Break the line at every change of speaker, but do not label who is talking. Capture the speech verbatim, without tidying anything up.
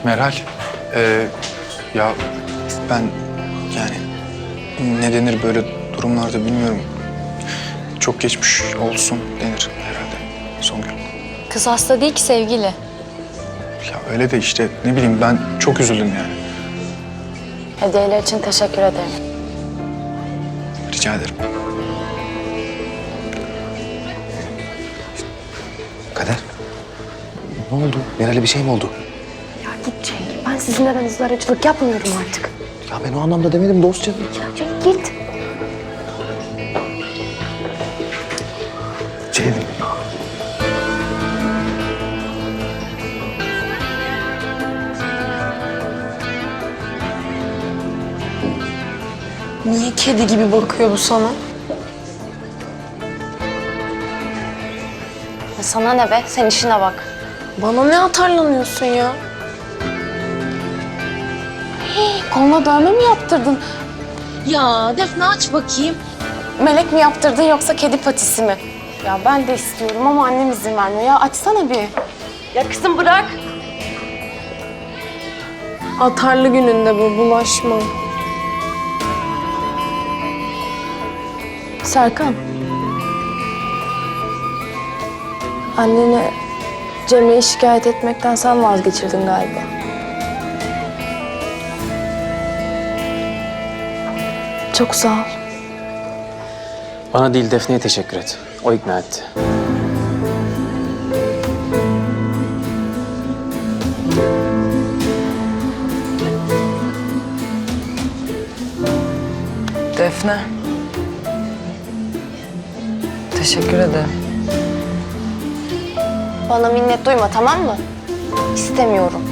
Meral, ee, ya ben yani ne denir böyle durumlarda bilmiyorum. Çok geçmiş olsun denir herhalde Songül.
Kız hasta değil ki sevgili.
Ya öyle de işte ne bileyim ben çok üzüldüm yani.
Hediyeler için teşekkür ederim.
Rica ederim.
Kader. Ne oldu? Meral'e bir şey mi oldu?
Ya git Cenk. Ben sizinle aranızda aracılık yapmıyorum artık.
Ya ben o anlamda demedim dostça.
Ya Cenk git.
Ceylin.
Niye kedi gibi bakıyor bu sana?
Ya sana ne be? Sen işine bak.
Bana ne atarlanıyorsun ya? Hey, koluna dövme mi yaptırdın?
Ya Defne aç bakayım.
Melek mi yaptırdın yoksa kedi patisi mi? Ya ben de istiyorum ama annem izin vermiyor. Ya açsana bir.
Ya kızım bırak.
Atarlı gününde bu, bulaşma. Serkan. Anneni Cemre'yi şikayet etmekten sen vazgeçirdin galiba. Çok sağ ol.
Bana değil Defne'ye teşekkür et. O ikna etti.
Defne. Teşekkür ederim.
Bana minnet duyma tamam mı? İstemiyorum.